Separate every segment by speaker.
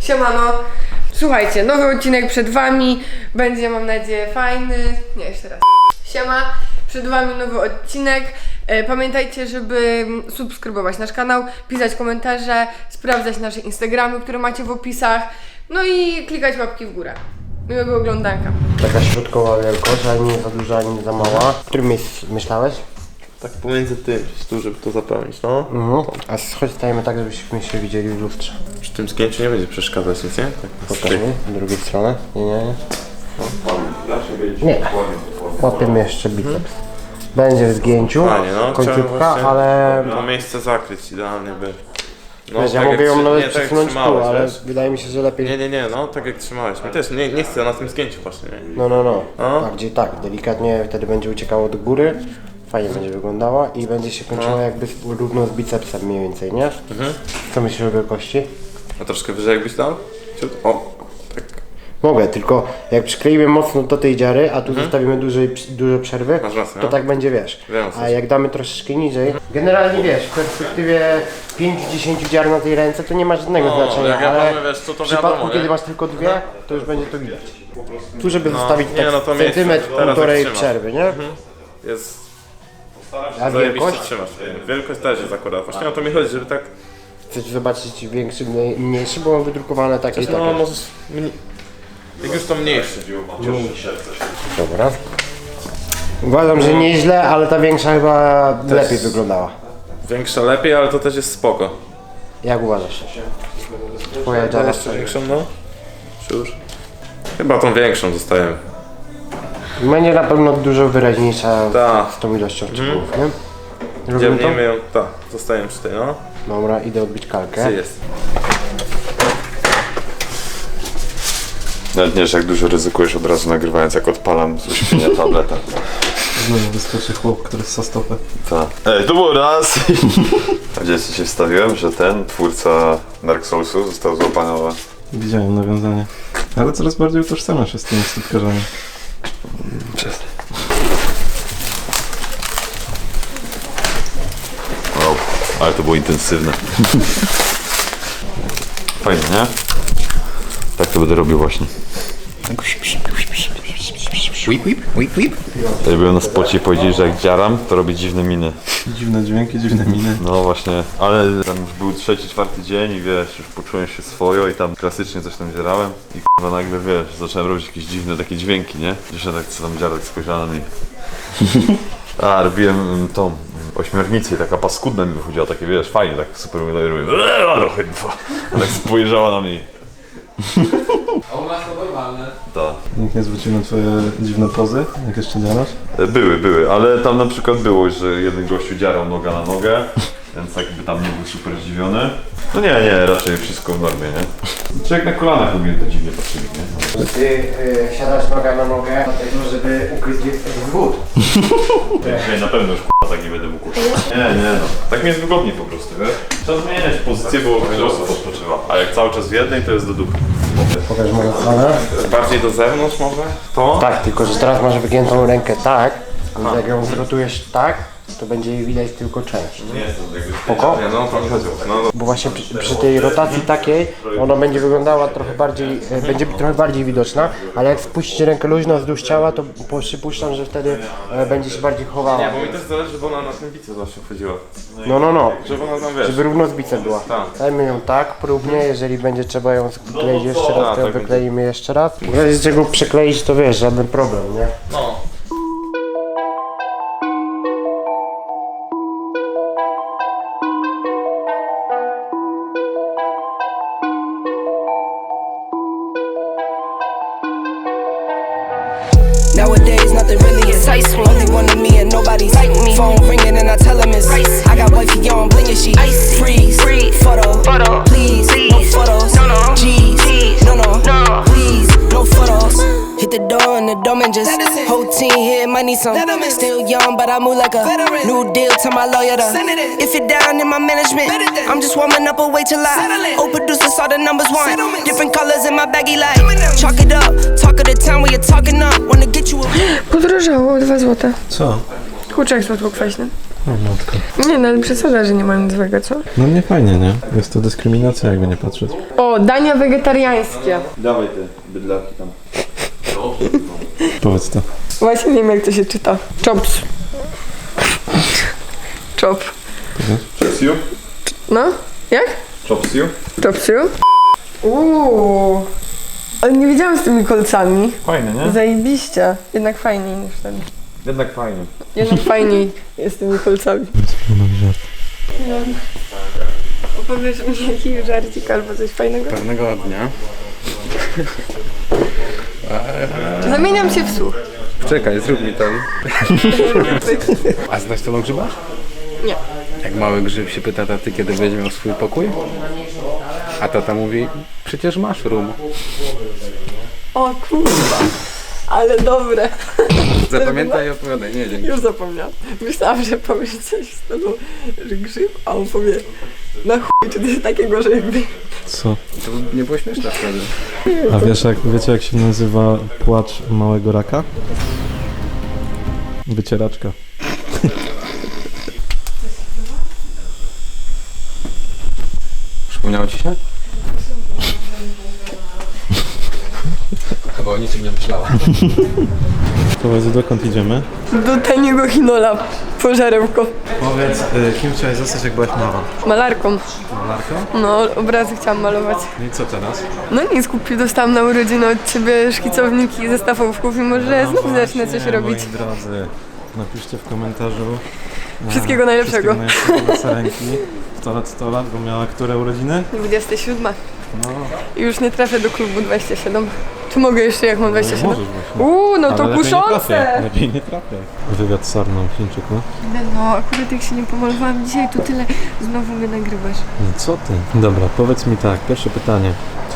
Speaker 1: Siemano. Słuchajcie, nowy odcinek przed wami. Będzie, mam nadzieję, fajny. Nie, jeszcze raz. Siema, przed wami nowy odcinek. Pamiętajcie, żeby subskrybować nasz kanał, pisać komentarze, sprawdzać nasze Instagramy, które macie w opisach. No i klikać łapki w górę. Miłego oglądanka.
Speaker 2: Taka środkowa wielkość, ani nie za duża, ani nie za mała. W którym miejscu myślałeś?
Speaker 3: Tak pomiędzy tym, tu, żeby to zapełnić, no.
Speaker 2: A chodź stajemy tak, żebyśmy się widzieli w lustrze.
Speaker 3: Przy tym zgięciu nie będzie przeszkadzać nic, nie? Tak,
Speaker 2: Pokaż mi, drugiej strony. Nie. Nie. Łapiemy jeszcze biceps. Będzie w zgięciu,
Speaker 3: Fajnie, no.
Speaker 2: końcówka, ale...
Speaker 3: To miejsce zakryć idealnie by. No,
Speaker 2: Wiesz, ja
Speaker 3: tak
Speaker 2: mogę ją nawet
Speaker 3: tak
Speaker 2: przesunąć tu, ale wydaje mi się, że lepiej...
Speaker 3: Nie, no tak jak trzymałeś. Mi też nie chcę na tym zgięciu właśnie, nie?
Speaker 2: No. Bardziej tak, delikatnie wtedy będzie uciekało do góry. Fajnie będzie wyglądała i będzie się kończyła jakby równo z bicepsem mniej więcej, nie? Co myślisz o wielkości?
Speaker 3: A troszkę wyżej jakbyś dał? O, tak.
Speaker 2: Mogę, tylko jak przykleimy mocno do tej dziary, a tu zostawimy dużo przerwy,
Speaker 3: Masz rację,
Speaker 2: to
Speaker 3: no.
Speaker 2: tak będzie, wiesz.
Speaker 3: Wiem,
Speaker 2: A jak damy troszeczkę niżej, generalnie wiesz, w perspektywie 5-10 dziar na tej ręce to nie ma żadnego znaczenia,
Speaker 3: jak ja
Speaker 2: ale
Speaker 3: mamy, wiesz, to
Speaker 2: w przypadku
Speaker 3: wiadomo,
Speaker 2: kiedy
Speaker 3: nie?
Speaker 2: masz tylko dwie, to już będzie to widać. Tu żeby zostawić
Speaker 3: nie,
Speaker 2: tak
Speaker 3: no to miejsce,
Speaker 2: centymetr,
Speaker 3: teraz jak
Speaker 2: półtorej
Speaker 3: trzymasz.
Speaker 2: przerwy, nie?
Speaker 3: Jest.
Speaker 2: A
Speaker 3: Zajebiście
Speaker 2: wielkość?
Speaker 3: trzymasz. Wielkość też jest akurat. Właśnie o to mi chodzi, żeby tak.
Speaker 2: Chcesz zobaczyć większy, mniejszy, bo mam wydrukowane takie i takie.
Speaker 3: No możesz. Jak już to mniejszy.
Speaker 2: Dobra. Uważam, że nieźle, ale ta większa chyba lepiej wyglądała.
Speaker 3: Większa lepiej, ale to też jest spoko.
Speaker 2: Jak uważasz? Twoja dziara.
Speaker 3: Jeszcze większą, no? Czy już? Chyba tą większą zostajemy.
Speaker 2: Będzie na pewno dużo wyraźniejsza
Speaker 3: Tak.
Speaker 2: z tą ilością szczegółów, nie? Robimy to?
Speaker 3: Dzielnijmy ją, tak, zostajemy przy tej, no.
Speaker 2: Dobra, idę odbić kalkę.
Speaker 3: Gdzie jest?
Speaker 4: Nawet nie wiesz, jak dużo ryzykujesz od razu nagrywając, jak odpalam z uśpienia tableta.
Speaker 5: Znowu wyskoczy chłop, który ssa stopę.
Speaker 4: Tak. Ej, to było raz! A gdzie się wstawiłem, że ten twórca Dark Soulsu został złapany.
Speaker 5: Widziałem nawiązanie. Ale coraz bardziej utożsamiam się z tymi stopkarzami.
Speaker 4: Przestań. Wow, ale to było intensywne. Fajnie, nie? Tak to będę robił właśnie. Ja byłem na spocie i powiedzieli, że jak dziaram, to robię dziwne miny.
Speaker 5: Dziwne dźwięki, dziwne miny.
Speaker 4: No właśnie, ale tam już był 3-4 dzień i wiesz, już poczułem się swojo i tam klasycznie coś tam dzierałem i k***a nagle wiesz, zacząłem robić jakieś dziwne takie dźwięki, nie? Gdzieś tak co tam dziarek spojrzała na mnie. A, robiłem tą ośmiornicę i taka paskudna mi wychodziła, takie wiesz, fajnie, tak super wygląda i robię a tak spojrzała na mnie.
Speaker 6: A u nas to normalne.
Speaker 4: Tak.
Speaker 5: Nikt nie zwrócił na twoje dziwne pozy, jak jeszcze dziarasz?
Speaker 4: Były, ale tam na przykład było, że jeden gościu dziarał noga na nogę, więc jakby tam nie był super zdziwiony. No nie, raczej wszystko w normie, nie? Człowiek na kolanach powinien to dziwnie patrzyli, nie?
Speaker 2: Ty siadasz noga na nogę, dlatego żeby ukryć wód.
Speaker 4: Ja na pewno już tak nie będę mógł. Nie, no. Tak mi jest wygodniej po prostu, wiesz? Trzeba zmieniać pozycję, bo wiele osób odpoczywa. A jak cały czas w jednej, to jest do dupy.
Speaker 2: Pokaż moją stronę.
Speaker 3: Bardziej do zewnątrz może? To?
Speaker 2: Tak, tylko że teraz masz wygiętą rękę tak, więc jak ją zrotujesz tak, to będzie jej widać tylko część.
Speaker 4: Nie jest to jakby...
Speaker 2: Spoko?
Speaker 3: Nie, no to mi chodziło. No,
Speaker 2: Bo właśnie przy tej rotacji takiej, ona będzie wyglądała trochę bardziej, będzie trochę bardziej widoczna, ale jak spuścicie rękę luźno wzdłuż ciała, to przypuszczam, że wtedy będzie się bardziej chowała.
Speaker 3: nie, bo mi też zależy, żeby ona na tym bicie zawsze wchodziła.
Speaker 2: No.
Speaker 3: Żeby ona tam, wiesz...
Speaker 2: Żeby równo z bicem była.
Speaker 3: Tak.
Speaker 2: Dajmy ją tak, próbnie, jeżeli będzie trzeba ją skleić jeszcze raz, to ją
Speaker 3: tak
Speaker 2: wykleimy jeszcze raz. W razie czego przekleić, to wiesz, żaden problem, nie?
Speaker 3: No.
Speaker 7: Nowadays, nothing really excites me. Only one of me and nobody's like me. Phone ringing and I tell him it's I got wifey on bling and she freeze. Photo, please, no photos. G's, no, please, no photos. Hit the door and the doorman just whole team here might need some. Still young, but I move like a new deal to my lawyer. If you're down in my management, I'm just warming up, wait till I. Old producers saw the numbers one. Different colors in my baggy light. Chalk it up, talk of the town where you're talking up. Wanna get you a.
Speaker 1: Podrożało o 2 zł.
Speaker 5: Co?
Speaker 1: kurczak słodko-kwaśny.
Speaker 5: O matko.
Speaker 1: Nie, no ale przesada, że nie ma nic złego, co?
Speaker 5: No nie fajnie, nie? Jest to dyskryminacja, jakby nie patrzeć.
Speaker 1: O, dania wegetariańskie.
Speaker 4: Dawaj te bydlaki tam.
Speaker 5: Powiedz to.
Speaker 1: Właśnie nie wiem, jak to się czyta. Chops. Chop.
Speaker 4: Chopsiu?
Speaker 1: No? Jak?
Speaker 4: Chopsiu?
Speaker 1: Chopsiu? Ale nie wiedziałam z tymi kolcami.
Speaker 4: Fajne, nie?
Speaker 1: Zajebiście. Jednak fajniej niż ten.
Speaker 4: Jednak fajnie.
Speaker 1: Jednak fajniej jest z tymi kolcami. No. Opowiesz mi jakiś żarcik albo coś fajnego?
Speaker 6: Pewnego dnia.
Speaker 1: Zamieniam się w słuch.
Speaker 6: Czekaj, zrób mi ten. A znasz tego grzyba?
Speaker 1: Nie.
Speaker 6: Jak mały grzyb się pyta taty, kiedy będzie miał swój pokój? A tata mówi, przecież masz room.
Speaker 1: O kurwa. Ale dobre.
Speaker 6: Zapamiętaj i odpowiadaj, nie dzięki.
Speaker 1: Już zapomniałam. Myślałam, że powiesz coś w stylu, że grzyb, a on powie na chuj, czy coś takiego, że jakby...
Speaker 5: Co?
Speaker 6: To nie było śmieszne wtedy.
Speaker 5: A wiecie jak się nazywa płacz małego raka? Wycieraczka.
Speaker 6: Przypomniało ci się? Chyba o niczym nie myślała.
Speaker 5: Powiedz, dokąd idziemy?
Speaker 1: Do taniego chinola pożarewko.
Speaker 5: Powiedz, kim chciałeś zostać, jak byłaś mała?
Speaker 1: Malarką.
Speaker 5: Malarką?
Speaker 1: No, obrazy chciałam malować.
Speaker 5: No i co teraz?
Speaker 1: No nic, dostałam na urodziny od ciebie szkicowniki, zestaw ołówków i może znów zacznę coś robić.
Speaker 5: Moi drodzy, napiszcie w komentarzu
Speaker 1: Wszystkiego najlepszego.
Speaker 5: Wszystkiego najlepszego dla Sarenki. 100 lat, bo miała które urodziny?
Speaker 1: 27.
Speaker 5: No,
Speaker 1: I już nie trafię do klubu 27. Czy mogę jeszcze, jak mam 27?
Speaker 5: możesz właśnie.
Speaker 1: No to
Speaker 5: Ale lepiej nie trafię,
Speaker 1: kuszące!
Speaker 5: lepiej nie trafię. Wywiad z Sarną Chińczyku.
Speaker 1: No, akurat jak się nie pomalowałam dzisiaj, to tyle znowu mnie nagrywasz.
Speaker 5: No co ty? Dobra, powiedz mi tak, pierwsze pytanie.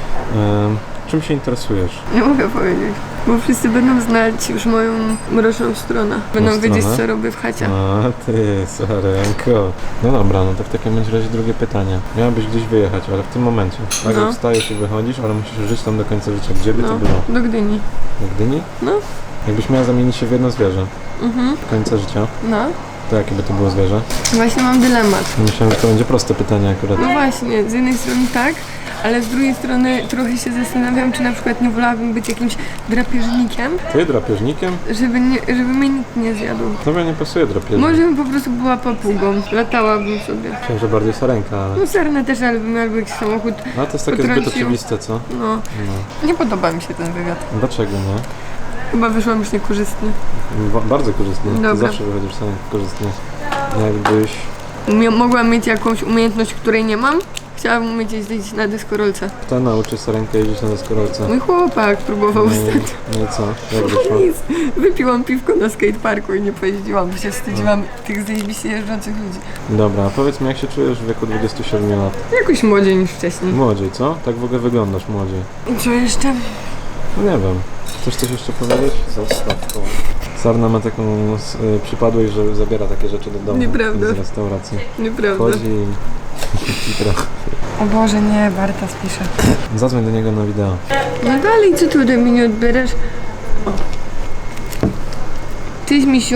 Speaker 5: Czym się interesujesz?
Speaker 1: Nie mogę powiedzieć, bo wszyscy będą znać już moją mroczną stronę. Będą
Speaker 5: stronę?
Speaker 1: wiedzieć, co robię w chacie.
Speaker 5: A ty, Sarenko. No dobra, no to w takim razie drugie pytanie. Miałabyś gdzieś wyjechać, ale w tym momencie. Nagle
Speaker 1: No.
Speaker 5: wstajesz i wychodzisz, ale musisz żyć tam do końca życia. Gdzie by to
Speaker 1: No,
Speaker 5: było?
Speaker 1: do Gdyni.
Speaker 5: Do Gdyni?
Speaker 1: No.
Speaker 5: Jakbyś miała zamienić się w jedno zwierzę
Speaker 1: Mhm.
Speaker 5: do końca życia,
Speaker 1: No,
Speaker 5: to jakie by to było zwierzę?
Speaker 1: właśnie mam dylemat.
Speaker 5: Myślałem, że to będzie proste pytanie akurat.
Speaker 1: No właśnie, z jednej strony tak, ale z drugiej strony trochę się zastanawiam, czy na przykład nie wolałabym być jakimś drapieżnikiem,
Speaker 5: Ty drapieżnikiem?
Speaker 1: żeby mnie nikt nie zjadł.
Speaker 5: Tobie nie pasuje drapieżnik.
Speaker 1: Może bym po prostu była papugą, latałabym sobie.
Speaker 5: Myślałem, że bardziej Sarenka, ale...
Speaker 1: No sarna też, ale bym albo jakiś samochód,
Speaker 5: A to jest takie zbyt
Speaker 1: potrącił.
Speaker 5: oczywiste, co?
Speaker 1: no. Nie podoba mi się ten wywiad.
Speaker 5: Dlaczego nie?
Speaker 1: Chyba wyszłam już niekorzystnie.
Speaker 5: Bardzo korzystnie. Ty
Speaker 1: Dobra.
Speaker 5: zawsze wychodzisz sam korzystnie. Jakbyś...
Speaker 1: Mogłam mieć jakąś umiejętność, której nie mam. Chciałabym umieć jeździć na deskorolce.
Speaker 5: Kto nauczy Sarenkę jeździć na deskorolce?
Speaker 1: Mój chłopak próbował ostatnio.
Speaker 5: No i co? Jak wyszło?
Speaker 1: Nic. Wypiłam piwko na skateparku i nie pojeździłam, bo się wstydziłam tych zajebiście jeżdżących ludzi.
Speaker 5: Dobra, a powiedz mi, jak się czujesz w wieku 27 lat?
Speaker 1: Jakoś młodziej niż wcześniej.
Speaker 5: Młodziej, co? Tak w ogóle wyglądasz młodziej.
Speaker 1: I co jeszcze?
Speaker 5: No nie wiem. Chcesz coś jeszcze powiedzieć? Zostaw to. Sarna ma taką przypadłość, że zabiera takie rzeczy do domu.
Speaker 1: Nieprawda.
Speaker 5: Z restauracji.
Speaker 1: Nieprawda.
Speaker 5: Chodzi i trochę.
Speaker 1: O Boże, nie, Barta spisze.
Speaker 5: Zadzwoń do niego na wideo.
Speaker 1: No dalej, co ty ode mnie nie odbierasz? Cześć, misiu.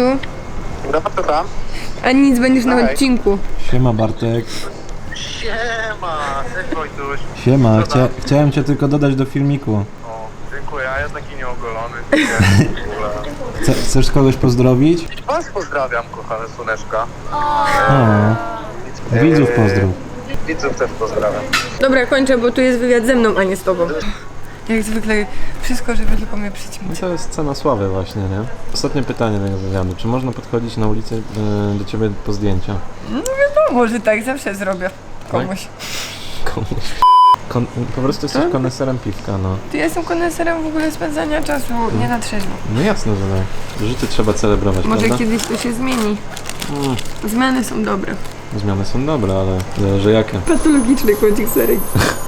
Speaker 1: A nic, będziesz na odcinku.
Speaker 5: Siema Bartek.
Speaker 8: Siema, cześć Wojtuś.
Speaker 5: Siema, chciałem cię tylko dodać do filmiku.
Speaker 8: O, dziękuję, a ja taki nieogolony.
Speaker 5: Chcesz kogoś pozdrowić?
Speaker 8: Was pozdrawiam, kochane słoneczka.
Speaker 5: O, widzów pozdrów.
Speaker 8: Widzów też pozdrawiam.
Speaker 1: Dobra, kończę, bo tu jest wywiad ze mną, a nie z tobą. Jak zwykle wszystko, żeby tylko mnie przyćmić.
Speaker 5: To jest cena sławy właśnie, nie? Ostatnie pytanie tego wywiadu. Czy można podchodzić na ulicy do ciebie po zdjęcia?
Speaker 1: No może tak, zawsze zrobię komuś.
Speaker 5: Komuś. Po prostu jesteś koneserem piwka, no.
Speaker 1: Ty jestem koneserem w ogóle spędzania czasu, nie na trzeźwo.
Speaker 5: No jasne, że tak. Życie trzeba celebrować,
Speaker 1: Może
Speaker 5: prawda?
Speaker 1: kiedyś to się zmieni. Zmiany są dobre.
Speaker 5: Zmiany są dobre, ale zależy jakie.
Speaker 1: Patologiczny kłodzik serek.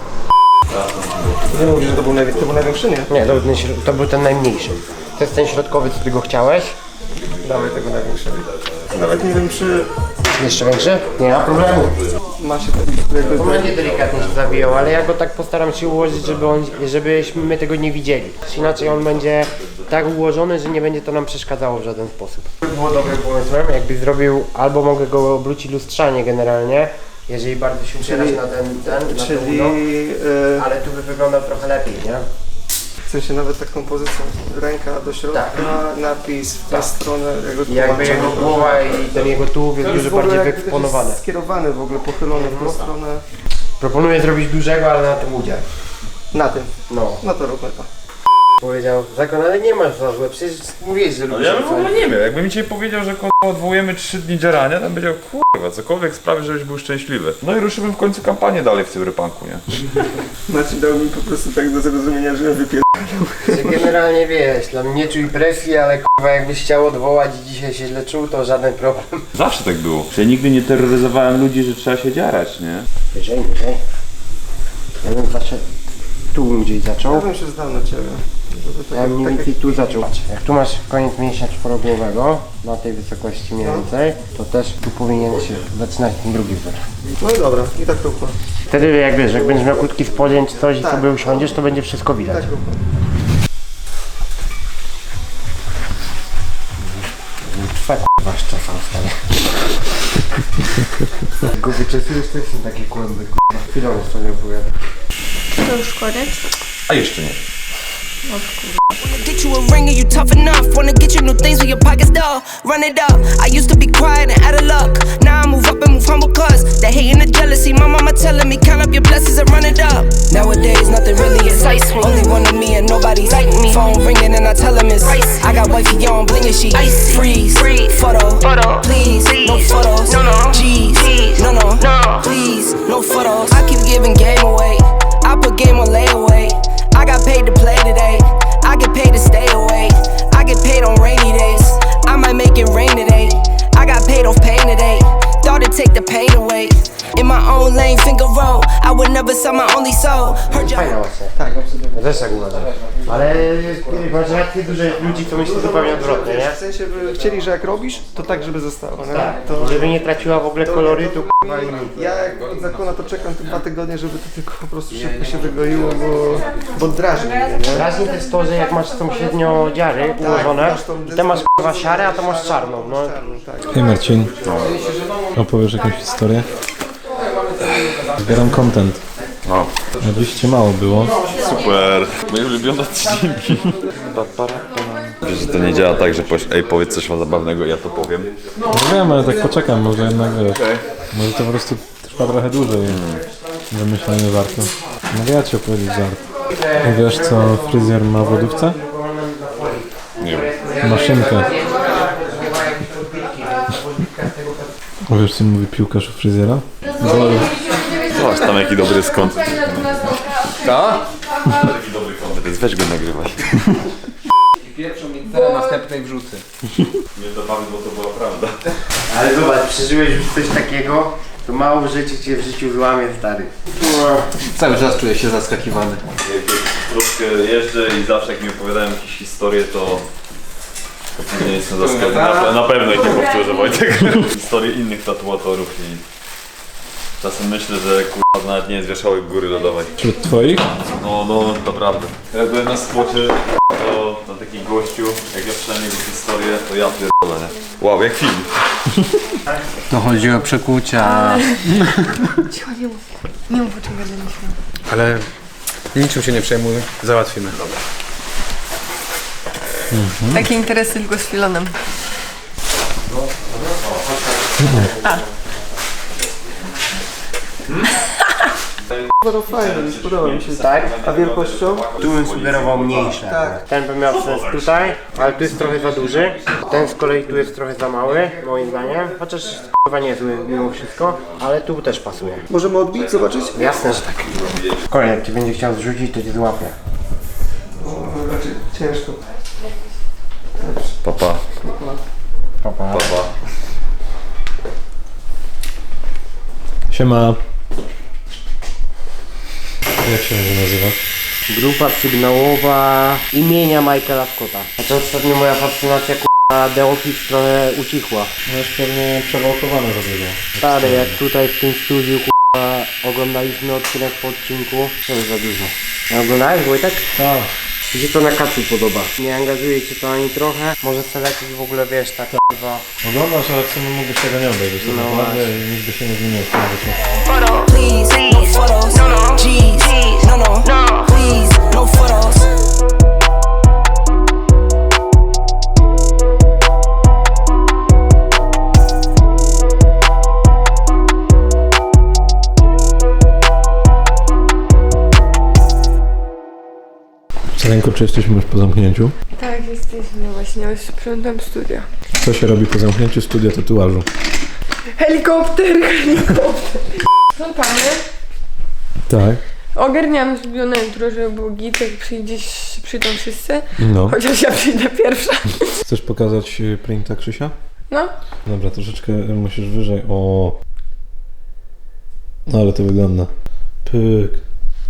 Speaker 2: Nie mówisz, że to był największy, nie? Nie, to był ten najmniejszy. To jest ten środkowy, co ty go chciałeś. Dawaj tego największego.
Speaker 3: Nawet nie wiem, czy
Speaker 2: Jeszcze większy? Nie ma problemu.
Speaker 3: ma się jakby...
Speaker 2: On będzie delikatnie się zawijał, ale ja go tak postaram się ułożyć, żebyśmy my tego nie widzieli. Inaczej on będzie tak ułożony, że nie będzie to nam przeszkadzało w żaden sposób. Było dobrym pomysłem, jakbyś zrobił, albo mogę go obrócić lustrzanie generalnie, jeżeli bardzo się upierasz na na
Speaker 9: Czyli
Speaker 2: ale tu by wyglądał trochę lepiej, nie?
Speaker 9: w sensie nawet taką pozycją ręka do środka, napis w tę stronę, jego
Speaker 2: I jakby jego głowa i ten jego tułów jest dużo bardziej wyeksponowany.
Speaker 9: Skierowany w ogóle, pochylony w tą stronę.
Speaker 2: Proponuję zrobić dużego, ale na tym udział.
Speaker 9: Na tym.
Speaker 2: No.
Speaker 9: No to róbmy to.
Speaker 2: Powiedział, Zakon, ale nie masz za złe, przecież mówiłeś, że lubisz.
Speaker 3: Ja bym w ogóle nie miał. Jakby mi dzisiaj powiedział, że odwołujemy 3 dni dzierania, to bym powiedział, kurwa, cokolwiek sprawi, żebyś był szczęśliwy. No i ruszyłbym w końcu kampanię dalej w cyberpunku, nie?
Speaker 9: Marcin dał mi po prostu tak do zrozumienia, że ja
Speaker 2: Że generalnie wiesz, dla mnie nie czuj presji, ale kurwa jakbyś chciał odwołać i dzisiaj się źle czuł, to żaden problem.
Speaker 3: Zawsze tak było. Ja nigdy nie terroryzowałem ludzi, że trzeba się dziarać, nie?
Speaker 2: Wyżej. Ja bym zaczął, tu bym gdzieś zaczął.
Speaker 9: Ja bym się zdał na ciebie.
Speaker 2: Ja bym mniej więcej tu zaczął. Jak tu masz koniec mięśnia czworogłowego, na tej wysokości mniej więcej, to też tu powinien się zaczynać ten drugi wzór.
Speaker 9: No i dobra, i tak róbmy.
Speaker 2: Wtedy jak wiesz, jak będziesz miał krótki spodzień czy coś i sobie usiądziesz, to będzie wszystko widać.
Speaker 9: Tak róbmy.
Speaker 2: Trwa k***wa szczasa stary. Go wyczesujesz, to jest taki kłęby k***wa. Chwilą sobie opowiadam.
Speaker 10: To już koniec?
Speaker 3: A jeszcze nie.
Speaker 7: Wanna get you a ring, are you tough enough? Wanna get you new things with your pockets dull. Run it up. I used to be quiet and out of luck. Now I move up and move humble cause the hate and the jealousy. My mama telling me count up your blessings and run it up. Nowadays nothing really excites me. Only one of me and nobody's like me. Phone ringing and I tell him it's I got wifey on bling and she freeze. Photo. Please. No photos. G's. No. Please. No photos. I keep giving game away. I put game on layaway. I got paid to play today. I get paid to stay away. I get paid on rainy days. I might make it rain today. I got paid off pain today. Thought it'd take the pain away. In my own lane, finger roll. I would never sell my only soul. Heard
Speaker 2: Fajna
Speaker 7: you.
Speaker 2: właśnie. Tak, ja też tak uważam. Ale masz rację, dużo jest ludzi, co myśli zupełnie odwrotnie, nie?
Speaker 9: W sensie by chcieli, że jak robisz, to tak, żeby zostało. Nie?
Speaker 2: Tak,
Speaker 9: To
Speaker 2: żeby nie traciła w ogóle kolorytu k***wa i nic.
Speaker 9: ja jak od Zakona to czekam te 2 tygodnie, żeby to tylko po prostu szybko się wygoiło, bo drażni mnie, nie?
Speaker 2: Ważne to jest to, że jak masz sąsiednio dziary ułożone,
Speaker 9: masz tą
Speaker 2: i te masz k***wa szare, a to masz czarną, no.
Speaker 9: Tak.
Speaker 5: Hej Marcin, opowiesz jakąś historię? Zbieram content.
Speaker 3: No.
Speaker 5: A dziś cię mało było.
Speaker 4: Super. Moje ulubione odcinki. Wiesz, że to nie działa tak, że powiesz, ej, powiedz coś zabawnego, ja to powiem.
Speaker 5: No wiem, ale tak poczekam, może jednak wiesz. Może to po prostu trwa trochę dłużej. Wymyślenie żartu. Mogę ja ci opowiedzieć żart. Wiesz co fryzjer ma w lodówce?
Speaker 4: Nie wiem.
Speaker 5: Maszynkę. A wiesz co mówi piłkarz u fryzjera?
Speaker 4: Zobacz tam jaki dobry skąd. Ta? Jaki dobry kontent, weź go nagrywaj.
Speaker 6: Pierwszą mi teraz następnej wrzucę.
Speaker 4: Nie dobawy, bo to była prawda.
Speaker 2: Ale zobacz, przeżyłeś już coś takiego, to mało rzeczy cię w życiu złamie, stary.
Speaker 6: Cały czas czuję się zaskakiwany.
Speaker 4: Jak troszkę jeżdżę i zawsze jak mi opowiadają jakieś historie, to nie jestem zaskoczony. Na pewno ich nie powtórzę, Wojtek. Historie innych tatuatorów i czasem myślę, że kurwa nawet nie jest wierzchołek góry lodowej.
Speaker 5: Wśród twoich?
Speaker 4: No, naprawdę. Jak byłem na spocie, to na takim gościu, jak ja słyszałem jego historię, to ja pierdolę, nie? Wow, jak film.
Speaker 6: To chodzi o przekłucia.
Speaker 10: Cicho, nie mów o czym będę myślał.
Speaker 6: Ale niczym się nie przejmuj, załatwimy.
Speaker 1: Takie interesy tylko z Filonem.
Speaker 9: No fajne, spodoba mi się.
Speaker 2: Tak?
Speaker 9: A wielkością?
Speaker 2: Tu bym sugerował mniejsze.
Speaker 9: Tak.
Speaker 2: Ten by miał sens tutaj, ale tu jest trochę za duży. Ten z kolei tu jest trochę za mały, moim zdaniem. Chociaż chyba niezły mimo wszystko, ale tu też pasuje.
Speaker 9: Możemy odbić, zobaczyć?
Speaker 2: Jasne, że tak. Kolej, jak ci będzie chciał zrzucić, to cię złapie.
Speaker 9: Znaczy, ciężko.
Speaker 4: Papa.
Speaker 2: Papa.
Speaker 5: Siema. Jak się będzie nazywać?
Speaker 2: Grupa sygnałowa imienia Michaela Scotta. Znaczy ostatnio moja fascynacja k***a The Office trochę ucichła.
Speaker 5: No już pewnie przewałkowane za dużo.
Speaker 2: Stary, jak tutaj w tym studiu k***a oglądaliśmy odcinek po odcinku, to jest za dużo. A oglądałeś, Wojtek?
Speaker 5: Tak.
Speaker 2: Mi się to na kacu podoba. Nie angażuje cię to ani trochę. Może chcę lecieć w ogóle, wiesz, tak chyba.
Speaker 5: Oglądasz, ale w sumie mógłbyś tego nie obejrzeć.
Speaker 2: No
Speaker 5: No
Speaker 2: właśnie.
Speaker 5: i nic by się nie zmieniło w tym życiu.
Speaker 7: Please, no photos. G's, no. Please, no photos.
Speaker 5: Ręko, czy jesteśmy już po zamknięciu?
Speaker 1: Tak, jesteśmy właśnie, już sprzątam studia.
Speaker 5: Co się robi po zamknięciu studia tatuażu?
Speaker 1: Helikopter! Sprzątamy.
Speaker 5: Tak.
Speaker 1: Ogarniamy zrobione jutro, żeby było git, jak przyjdą wszyscy.
Speaker 5: No.
Speaker 1: Chociaż ja przyjdę pierwsza.
Speaker 5: Chcesz pokazać printa Krzysia?
Speaker 1: No.
Speaker 5: Dobra, troszeczkę musisz wyżej. O. Ale to wygląda. Pyk.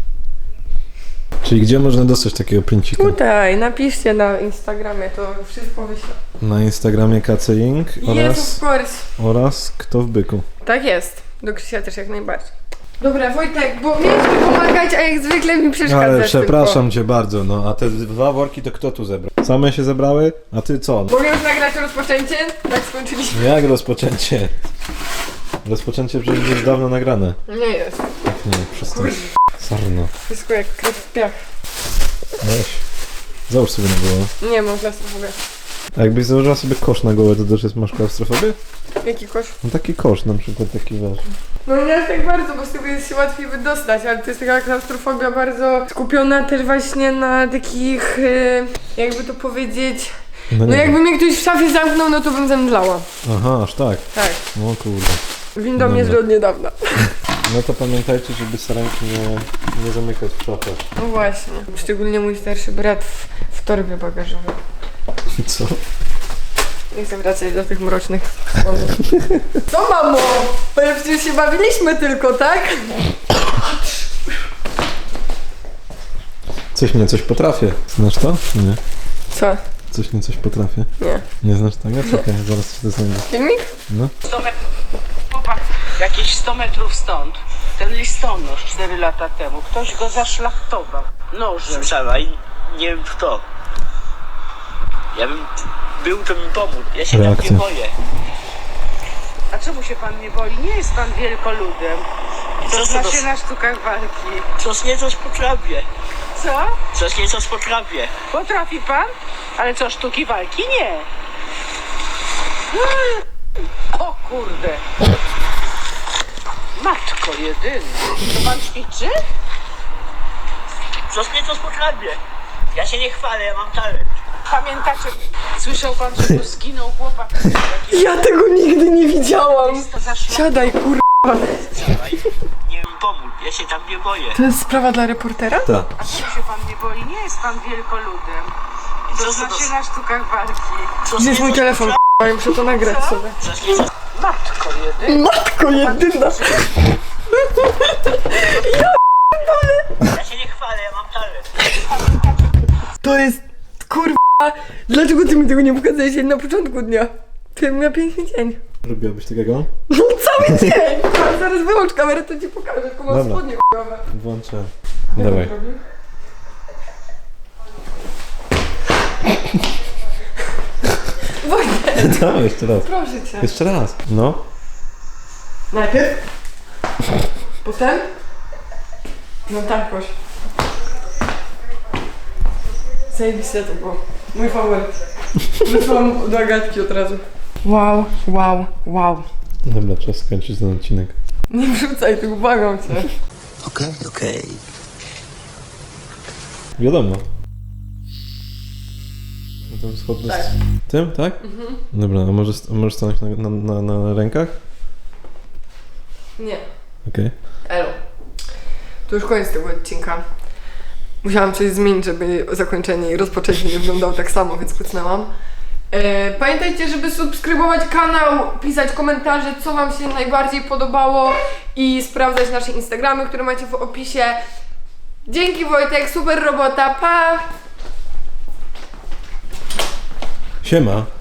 Speaker 5: Czyli gdzie można dostać takiego princika?
Speaker 1: Tutaj, napiszcie na Instagramie, to wszystko wyślę.
Speaker 5: Na Instagramie KCing
Speaker 1: Yes, of course.
Speaker 5: oraz Kto w byku.
Speaker 1: Tak jest. Do Krzysia też jak najbardziej. Dobra, Wojtek, bo mieliśmy pomagać, a jak zwykle mi przeszkadzasz.
Speaker 5: Ale przepraszam cię bardzo, no a te 2 worki to kto tu zebrał? Same się zebrały? A ty co?
Speaker 1: Mogę już nagrać rozpoczęcie? Tak skończyliśmy.
Speaker 5: Jak rozpoczęcie? Rozpoczęcie przecież już dawno nagrane.
Speaker 1: Nie jest.
Speaker 5: Tak nie, przestań. Sarno.
Speaker 1: Wszystko jak krew w piach.
Speaker 5: Weź. Załóż sobie na głowę.
Speaker 1: Nie mam klaustrofobię.
Speaker 5: A jakbyś założyła sobie kosz na głowę, to też masz klaustrofobię?
Speaker 1: Jaki kosz?
Speaker 5: No taki kosz na przykład, taki wiesz.
Speaker 1: No nie aż tak bardzo, bo z tego jest się łatwiej wydostać, ale to jest taka klaustrofobia bardzo skupiona też właśnie na takich, jakby to powiedzieć, no
Speaker 5: nie
Speaker 1: jakby mnie ktoś w szafie zamknął, no to bym zemdlała.
Speaker 5: Aha, aż tak.
Speaker 1: Tak.
Speaker 5: O kurde.
Speaker 1: Windą jeżdżę od niedawna.
Speaker 5: No to pamiętajcie, żeby sarenki nie zamykać w szafach.
Speaker 1: No właśnie. Szczególnie mój starszy brat w torbie bagażowej.
Speaker 5: Co?
Speaker 1: Nie chcę wracać do tych mrocznych wspomnień. Co mamo? Bo przecież się bawiliśmy tylko, tak?
Speaker 5: Coś potrafię. Znasz to? Nie.
Speaker 1: Co?
Speaker 5: Coś potrafię.
Speaker 1: Nie.
Speaker 5: Nie znasz tego? Czekaj, zaraz ci to znajdę.
Speaker 1: Filmik?
Speaker 5: No.
Speaker 11: 100 metrów, chłopak, jakieś 100 metrów stąd, ten listonosz 4 lata temu, ktoś go zaszlachtował nożem.
Speaker 12: Słyszałem, nie wiem kto. Ja bym był, to mi pomógł. Ja się tam nie boję.
Speaker 11: A czemu się pan nie boi? Nie jest pan wielkoludem. To zna się na sztukach walki.
Speaker 12: Coś nieco potrafię.
Speaker 11: Co?
Speaker 12: Coś nieco potrafię.
Speaker 11: Potrafi pan? Ale co, sztuki walki? Nie. O kurde. Matko jedyna. To pan ćwiczy?
Speaker 12: Coś nieco potrafię. Ja się nie chwalę, ja mam talent.
Speaker 11: Pamiętacie, słyszał pan, że tu zginął chłopak?
Speaker 1: Ja tego nigdy nie widziałam. Siadaj, kurwa.
Speaker 12: Nie wiem pomógł, ja się tam nie boję.
Speaker 1: To jest sprawa dla reportera?
Speaker 5: Tak.
Speaker 11: A czemu się pan nie boi? Nie jest pan wielkoludem. To zna się na sztukach walki.
Speaker 1: Gdzie jest mój telefon? Ja muszę to nagrać sobie.
Speaker 11: Matko jedyna.
Speaker 1: Matko jedyna.
Speaker 12: Ja się nie chwalę, ja mam talent.
Speaker 1: To jest, kurwa, dlaczego ty mi tego nie pokazałeś na początku dnia? Ty miał piękny dzień.
Speaker 5: Lubiłabyś takiego?
Speaker 1: No cały dzień! Zaraz wyłącz kamerę, to ci pokażę, tylko mam
Speaker 5: Dobra.
Speaker 1: spodnie chujowe.
Speaker 5: Włączę. Dawaj.
Speaker 1: Wojtek,
Speaker 5: Dawaj, jeszcze raz.
Speaker 1: proszę cię.
Speaker 5: Jeszcze raz. No.
Speaker 1: Najpierw. Potem. No tak, koś. Zajebiste to było. Mój faworyt. Wysłałam do Agatki od razu. Wow, wow, wow.
Speaker 5: Dobra, czas skończyć ten odcinek.
Speaker 1: Nie wrzucaj tego, błagam cię.
Speaker 12: Okej.
Speaker 5: Wiadomo. No to schodne
Speaker 1: Tak.
Speaker 5: z tym, tak?
Speaker 1: Mhm.
Speaker 5: Dobra, a możesz stanąć na rękach?
Speaker 1: Nie.
Speaker 5: Okej.
Speaker 1: Elo. To już koniec tego odcinka. Musiałam coś zmienić, żeby zakończenie i rozpoczęcie nie wyglądało tak samo, więc kucnęłam. Pamiętajcie, żeby subskrybować kanał, pisać komentarze, co wam się najbardziej podobało i sprawdzać nasze Instagramy, które macie w opisie. Dzięki Wojtek, super robota, pa!
Speaker 5: Siema.